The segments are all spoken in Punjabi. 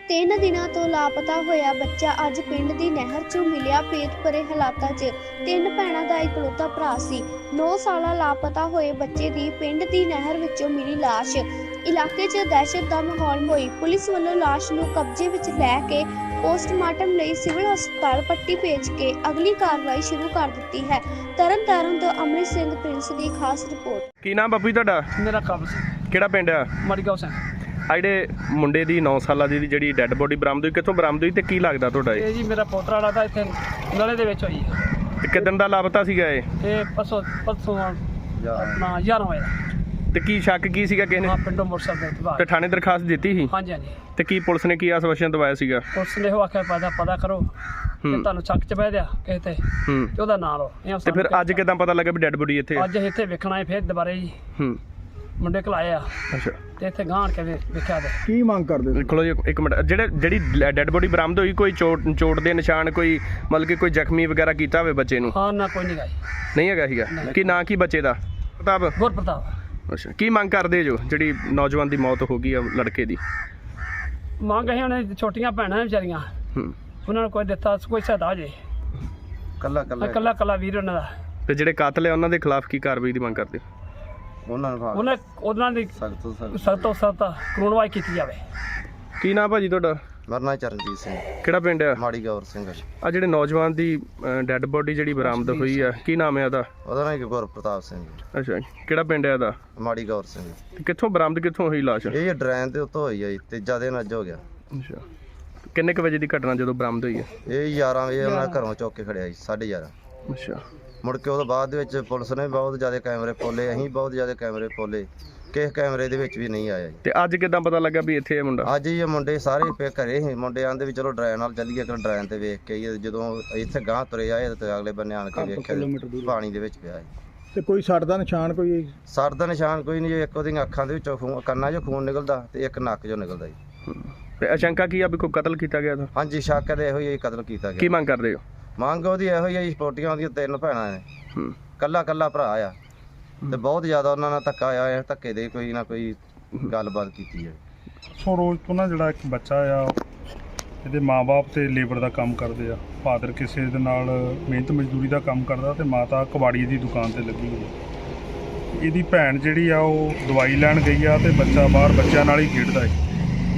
3 ਦਿਨਾਂ ਤੋਂ ਲਾਪਤਾ ਹੋਇਆ ਬੱਚਾ ਅੱਜ ਪਿੰਡ ਦੀ ਨਹਿਰ 'ਚੋਂ ਮਿਲਿਆ। ਪੇਟ ਭਰੇ ਹਾਲਾਤਾਂ 'ਚ 3 ਭੈਣਾਂ ਦਾ ਇਕਲੌਤਾ ਭਰਾ ਸੀ। 9 ਸਾਲਾ ਲਾਪਤਾ ਹੋਏ ਬੱਚੇ ਦੀ ਪਿੰਡ ਦੀ ਨਹਿਰ ਵਿੱਚੋਂ ਮਿਲੀ ਲਾਸ਼। ਇਲਾਕੇ 'ਚ ਦਹਿਸ਼ਤ ਦਾ ਮਾਹੌਲ ਹੋਈ। ਪੁਲਿਸ ਵੱਲੋਂ ਲਾਸ਼ ਨੂੰ ਕਬਜ਼ੇ ਵਿੱਚ ਲੈ ਕੇ ਪੋਸਟਮਾਰਟਮ ਲਈ ਸਿਵਲ ਹਸਪਤਾਲ ਪੱਟੀ ਭੇਜ ਕੇ ਅਗਲੀ ਕਾਰਵਾਈ ਸ਼ੁਰੂ ਕਰ ਦਿੱਤੀ ਹੈ। ਤਰਨਤਾਰਨ ਤੋਂ ਅੰਮ੍ਰਿਤ ਸਿੰਘ ਪ੍ਰਿੰਸ ਦੀ ਖਾਸ ਰਿਪੋਰਟ। ਕੀ ਨਾਮ ਬਾਪੂ ਜੀ ਤੁਹਾਡਾ? ਮੇਰਾ ਕਾਬਲ ਸਿੰਘ। ਕਿਹੜਾ ਪਿੰਡ ਆ? ਮੜਗਾਉਂ ਸਿੰਘ। ਆ ਜਿਹੜੇ ਮੁੰਡੇ ਦੀ 9 ਸਾਲਾਂ ਦੀ ਜਿਹੜੀ ਡੈੱਡ ਬੋਡੀ ਬਰਾਮਦ ਹੋਈ, ਕਿੱਥੋਂ ਬਰਾਮਦ ਹੋਈ ਤੇ ਕੀ ਲੱਗਦਾ ਤੁਹਾਡਾ ਇਹ? ਇਹ ਜੀ ਮੇਰਾ ਪੋਤਰਾ ਵਾਲਾ ਤਾਂ ਇੱਥੇ ਨਲੇ ਦੇ ਵਿੱਚ ਹੋਈ ਹੈ। ਤੇ ਕਿੱਦਣ ਦਾ ਲਾਪਤਾ ਸੀਗਾ ਇਹ? ਇਹ ਪਰਸੋਂ ਆਪਣਾ 11 ਵਜੇ ਤੇ ਕੀ ਸ਼ੱਕ ਕੀ ਸੀਗਾ ਕਿਸੇ ਨੇ? ਹਾਂ, ਪਿੰਡੋਂ ਮੋਟਰਸਾਈਕਲ ਤੇ ਤੇ ਥਾਣੇ ਦਰਖਾਸਤ ਦਿੱਤੀ ਸੀ? ਹਾਂਜੀ ਹਾਂਜੀ। ਤੇ ਕੀ ਪੁਲਿਸ ਨੇ ਕੀ ਆਸ਼ਵਾਸਨ ਦਵਾਇਆ ਸੀਗਾ? ਪੁਲਿਸ ਨੇ ਉਹ ਆਖਿਆ ਪਤਾ ਕਰੋ ਤੇ ਤੁਹਾਨੂੰ ਸ਼ੱਕ ਚ ਬਹਿ ਦਿਆ ਕਿਸੇ ਤੇ ਤੇ ਉਹਦਾ ਨਾਂ ਲਓ। ਤੇ ਫਿਰ ਅੱਜ ਕਿਦਾਂ ਪਤਾ ਲੱਗਾ ਵੀ ਡੈੱਡ ਬੋਡੀ ਇੱਥੇ? ਅੱਜ ਇੱਥੇ ਵੇਖਣਾ ਹੈ ਫਿਰ ਦੁਬਾਰੇ ਜੀ। ਮੁੰਡੇ ਘਲਾਏ ਆ। ਅੱਛਾ। ਤੇ ਇੱਥੇ ਗਾਂਢ ਕੇ ਵੇਖਿਆ ਤੇ ਕੀ ਮੰਗ ਕਰਦੇ? ਖਲੋ ਜੀ ਇੱਕ ਮਿੰਟ। ਜਿਹੜੀ ਡੈੱਡ ਬੋਡੀ ਬਰਾਮਦ ਹੋਈ, ਕੋਈ ਚੋਟ ਦੇ ਨਿਸ਼ਾਨ, ਕੋਈ ਮਤਲਬ ਕਿ ਕੋਈ ਜ਼ਖਮੀ ਵਗੈਰਾ ਕੀਤਾ ਹੋਵੇ ਬੱਚੇ ਨੂੰ? ਹਾਂ ਨਾ, ਕੋਈ ਨਹੀਂ ਗਾਈ। ਨਹੀਂ ਹੈਗਾ ਸੀਗਾ? ਕੀ ਨਾਂ ਕੀ ਬੱਚੇ ਦਾ? ਪ੍ਰਤਾਪ। ਗੁਰਪ੍ਰਤਾਪ। ਅੱਛਾ। ਕੀ ਮੰਗ ਕਰਦੇ ਜੋ ਜਿਹੜੀ ਨੌਜਵਾਨ ਦੀ ਮੌਤ ਹੋ ਗਈ ਆ ਲੜਕੇ ਦੀ? ਮੰਗ ਹੈ ਉਹਨੇ ਛੋਟੀਆਂ ਭੈਣਾਂ ਵਿਚਾਰੀਆਂ, ਉਹਨਾਂ ਨੂੰ ਕੋਈ ਦਿੱਤਾ ਕੋਈ ਸਹਾਇਤਾ ਜੇ। ਕੱਲਾ ਵੀਰ ਉਹਨਾਂ ਦਾ। ਤੇ ਜਿਹੜੇ ਕਾਤਲ ਆ ਉਹਨਾਂ ਦੇ ਖਿਲਾਫ ਕੀ ਕਾਰਵਾਈ ਦੀ ਮੰਗ ਕਰਦੇ? ਉਹਨਾਂ ਦੀ ਸਖਤ ਤੋਂ ਸਖਤ ਕਾਨੂੰਨਵਾਈ ਕੀਤੀ ਜਾਵੇ। ਕੀ ਨਾਮ ਭਾਜੀ ਤੁਹਾਡਾ? ਮੇਰਾ ਨਾਂ ਚਰਨਜੀਤ ਸਿੰਘ। ਕਿਹੜਾ ਪਿੰਡ ਆ? ਮਾੜੀ ਗੌਰ ਸਿੰਘ। ਆ ਜਿਹੜੇ ਨੌਜਵਾਨ ਦੀ ਡੈੱਡ ਬੋਡੀ ਜਿਹੜੀ ਬਰਾਮਦ ਹੋਈ ਆ, ਕੀ ਨਾਮ ਹੈ ਉਹਦਾ? ਉਹਦਾ ਨਾਂ ਗੁਰਪ੍ਰਤਾਪ ਸਿੰਘ। ਅੱਛਾ। ਕਿਹੜਾ ਪਿੰਡ ਹੈ ਇਹਦਾ? ਮਾੜੀ ਗੌਰ ਸਿੰਘ। ਤੇ ਕਿੱਥੋਂ ਬਰਾਮਦ ਕਿੱਥੋਂ ਹੋਈ ਲਾਸ਼? ਇਹ ਡਰੈਨ ਦੇ ਉੱਤੋਂ ਹੋਈ ਆ ਜੀ, ਤੀਜਾ ਦਿਨ ਅੱਜ ਹੋ ਗਿਆ। ਅੱਛਾ। ਕਿੰਨੇ ਕੁ ਵਜੇ ਦੀ ਘਟਨਾ ਜਦੋਂ ਬਰਾਮਦ ਹੋਈ ਹੈ? ਇਹ 11 ਵਜੇ ਉਹਨਾਂ ਘਰੋਂ ਚੁੱਕ ਕੇ ਖੜਿਆ ਜੀ, 11:30। ਅੱਛਾ। ਮੁੜ ਕੇ ਉਹਦੇ ਬਾਅਦ ਦੇ ਵਿੱਚ ਪੁਲਿਸ ਨੇ ਬਹੁਤ ਜ਼ਿਆਦਾ ਕੈਮਰੇ ਪੋਲੇ, ਅਸੀਂ ਬਹੁਤ ਜ਼ਿਆਦਾ ਕੈਮਰੇ ਪੋਲੇ, ਕਿਸੇ ਕੈਮਰੇ ਦੇ ਵਿੱਚ ਵੀ ਨਹੀਂ ਆਇਆ ਜੀ। ਤੇ ਅੱਜ ਕਿਦਾਂ ਪਤਾ ਲੱਗਾ ਵੀ ਇੱਥੇ ਇਹ ਮੁੰਡਾ? ਅੱਜ ਇਹ ਮੁੰਡੇ ਸਾਰੇ ਘਰੇ ਸੀ। ਮੁੰਡੇ ਆਂਦੇ ਵੀ ਚਲੋ ਡਰੈਨ ਨਾਲ ਚੱਲੀਏ, ਕਿ ਡਰੈਨ ਤੇ ਵੇਖ ਕੇ ਜਦੋਂ ਇੱਥੇ ਗਾਂਹ ਤੁਰੇ ਆਏ ਤੇ ਅਗਲੇ ਬੰਨੇ ਆਣ ਕੇ ਵੇਖਿਆ ਪਾਣੀ ਦੇ ਵਿੱਚ ਪਿਆ ਜੀ। ਤੇ ਕੋਈ ਸੱਟ ਦਾ ਨਿਸ਼ਾਨ? ਕੋਈ ਸਰ ਦਾ ਨਿਸ਼ਾਨ ਕੋਈ ਨਹੀਂ ਜੀ। ਇੱਕ ਉਹਦੀਆਂ ਅੱਖਾਂ ਦੇ ਵਿੱਚੋਂ ਕੰਨਾਂ 'ਚੋਂ ਖੂਨ ਨਿਕਲਦਾ ਤੇ ਇੱਕ ਨੱਕ 'ਚੋਂ ਨਿਕਲਦਾ ਜੀ। ਤੇ ਆਸ਼ੰਕਾ ਕੀ ਆ ਵੀ ਕੋਈ ਕਤਲ ਕੀਤਾ ਗਿਆ ਤਾਂ? ਹਾਂਜੀ, ਸ਼ੱਕ ਤੇ ਇਹੋ ਹੀ ਕਤਲ ਕੀਤਾ ਗਿਆ। ਕੀ ਮੰਗ ਕਰਦੇ ਹੋ? ਮੰਗ ਉਹਦੀ ਇਹੋ ਹੀ ਸਪੋਰਟੀਆਂ ਉਹਦੀਆਂ 3 ਭੈਣਾਂ ਨੇ, ਕੱਲਾ ਭਰਾ ਆ ਤੇ ਬਹੁਤ ਜ਼ਿਆਦਾ ਉਹਨਾਂ ਨਾਲ ਧੱਕਾ ਆਇਆ। ਧੱਕੇ ਦੇ ਕੋਈ ਨਾ ਕੋਈ ਗੱਲਬਾਤ ਕੀਤੀ ਹੈ। ਸੋ ਰੋਜ਼ ਤੋਂ ਨਾ ਜਿਹੜਾ ਇੱਕ ਬੱਚਾ ਆ, ਇਹਦੇ ਮਾਂ-ਬਾਪ ਤੇ ਲੇਬਰ ਦਾ ਕੰਮ ਕਰਦੇ ਆ। ਫਾਦਰ ਕਿਸੇ ਦੇ ਨਾਲ ਮਿਹਨਤ ਮਜ਼ਦੂਰੀ ਦਾ ਕੰਮ ਕਰਦਾ ਤੇ ਮਾਤਾ ਕਬਾੜੀ ਦੀ ਦੁਕਾਨ ਤੇ ਲੱਗੀ ਹੋਈ। ਇਹਦੀ ਭੈਣ ਜਿਹੜੀ ਆ ਉਹ ਦਵਾਈ ਲੈਣ ਗਈ ਆ ਤੇ ਬੱਚਾ ਬਾਹਰ ਬੱਚਿਆਂ ਨਾਲ ਹੀ ਖੇਡਦਾ ਹੈ।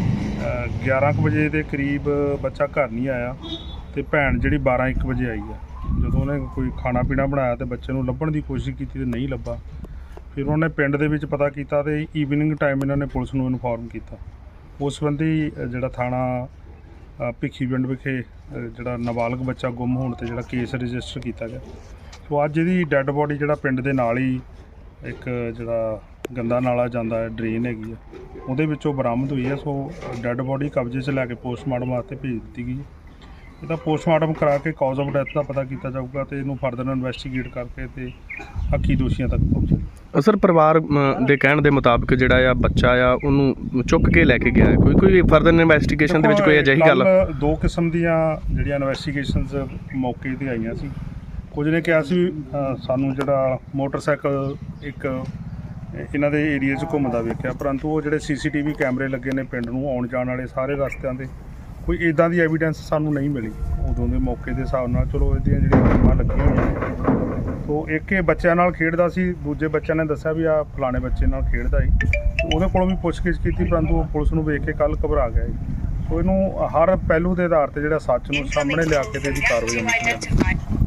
11 ਕੁ ਵਜੇ ਦੇ ਕਰੀਬ ਬੱਚਾ ਘਰ ਨਹੀਂ ਆਇਆ ਤੇ ਭੈਣ ਜਿਹੜੀ 12-1 ਵਜੇ ਆਈ ਆ। ਜਦੋਂ ਉਹਨੇ ਕੋਈ ਖਾਣਾ ਪੀਣਾ ਬਣਾਇਆ ਤੇ ਬੱਚੇ ਨੂੰ ਲੱਭਣ ਦੀ ਕੋਸ਼ਿਸ਼ ਕੀਤੀ ਤੇ ਨਹੀਂ ਲੱਭਾ। ਫਿਰ ਉਹਨੇ ਪਿੰਡ ਦੇ ਵਿੱਚ ਪਤਾ ਕੀਤਾ ਤੇ ਈਵਨਿੰਗ ਟਾਈਮ ਇਹਨਾਂ ਨੇ ਪੁਲਿਸ ਨੂੰ ਇਨਫੋਰਮ ਕੀਤਾ। ਉਸ ਸੰਬੰਧੀ ਜਿਹੜਾ ਥਾਣਾ ਭਿੱਖੀ ਪਿੰਡ ਵਿਖੇ ਜਿਹੜਾ ਨਾਬਾਲਗ ਬੱਚਾ ਗੁੰਮ ਹੋਣ ਤੇ ਜਿਹੜਾ ਕੇਸ ਰਜਿਸਟਰ ਕੀਤਾ ਗਿਆ। ਸੋ ਅੱਜ ਇਹਦੀ ਡੈੱਡ ਬੋਡੀ ਜਿਹੜਾ ਪਿੰਡ ਦੇ ਨਾਲ ਹੀ ਇੱਕ ਜਿਹੜਾ ਗੰਦਾ ਨਾਲਾ ਜਾਂਦਾ ਹੈ, ਡਰੇਨ ਹੈਗੀ ਆ, ਉਹਦੇ ਵਿੱਚੋਂ ਬਰਾਮਦ ਹੋਈ ਹੈ। ਸੋ ਡੈੱਡ ਬੋਡੀ ਕਬਜ਼ੇ 'ਚ ਲੈ ਕੇ ਪੋਸਟਮਾਰਟਮ ਵਾਸਤੇ ਭੇਜ ਦਿੱਤੀ ਗਈ ਹੈ। ਇਹਦਾ ਪੋਸਟਮਾਰਟਮ ਕਰਾ ਕੇ ਕਾਜ਼ ਆਫ ਡੈਥ ਦਾ ਪਤਾ ਕੀਤਾ ਜਾਊਗਾ ਤੇ ਇਹਨੂੰ ਫਰਦਰ ਇਨਵੈਸਟੀਗੇਟ ਕਰਕੇ ਤੇ ਹੱਕੀ ਦੋਸ਼ੀਆਂ ਤੱਕ ਪਹੁੰਚੇ। ਸਰ, ਪਰਿਵਾਰ ਦੇ ਕਹਿਣ ਦੇ ਮੁਤਾਬਕ ਜਿਹੜਾ ਆ ਬੱਚਾ ਆ ਉਹਨੂੰ ਚੁੱਕ ਕੇ ਲੈ ਕੇ ਗਿਆ, ਕੋਈ ਫਰਦਰ ਇਨਵੈਸਟੀਗੇਸ਼ਨ ਦੇ ਵਿੱਚ ਕੋਈ ਅਜਿਹੀ ਗੱਲ? 2 ਕਿਸਮ ਦੀਆਂ ਜਿਹੜੀਆਂ ਇਨਵੈਸਟੀਗੇਸ਼ਨਸ ਮੌਕੇ 'ਤੇ ਆਈਆਂ ਸੀ। ਕੁਝ ਨੇ ਕਿਹਾ ਸੀ ਸਾਨੂੰ ਜਿਹੜਾ ਮੋਟਰਸਾਈਕਲ ਇੱਕ ਇਹਨਾਂ ਦੇ ਏਰੀਏ 'ਚ ਘੁੰਮਦਾ ਵੇਖਿਆ, ਪਰੰਤੂ ਉਹ ਜਿਹੜੇ CCTV ਕੈਮਰੇ ਲੱਗੇ ਨੇ ਪਿੰਡ ਨੂੰ ਆਉਣ ਜਾਣ ਵਾਲੇ ਸਾਰੇ ਰਸਤਿਆਂ 'ਤੇ, ਕੋਈ ਇੱਦਾਂ ਦੀ ਐਵੀਡੈਂਸ ਸਾਨੂੰ ਨਹੀਂ ਮਿਲੀ ਉਦੋਂ ਦੇ ਮੌਕੇ ਦੇ ਹਿਸਾਬ ਨਾਲ। ਚਲੋ ਇਹਦੀਆਂ ਜਿਹੜੀਆਂ ਟੀਮਾਂ ਲੱਗੀਆਂ ਹੋਈਆਂ। ਸੋ ਇੱਕ ਇਹ ਬੱਚਿਆਂ ਨਾਲ ਖੇਡਦਾ ਸੀ, ਦੂਜੇ ਬੱਚਿਆਂ ਨੇ ਦੱਸਿਆ ਵੀ ਆ ਫਲਾਣੇ ਬੱਚੇ ਨਾਲ ਖੇਡਦਾ ਸੀ। ਉਹਦੇ ਕੋਲੋਂ ਵੀ ਪੁੱਛਗਿੱਛ ਕੀਤੀ, ਪਰੰਤੂ ਪੁਲਿਸ ਨੂੰ ਵੇਖ ਕੇ ਕੱਲ੍ਹ ਘਬਰਾ ਗਿਆ। ਸੋ ਇਹਨੂੰ ਹਰ ਪਹਿਲੂ ਦੇ ਆਧਾਰ 'ਤੇ ਜਿਹੜਾ ਸੱਚ ਨੂੰ ਸਾਹਮਣੇ ਲਿਆ ਕੇ ਤੇ ਇਹਦੀ ਕਾਰਵਾਈ ਹੋਣੀ ਚਾਹੀਦੀ ਹੈ।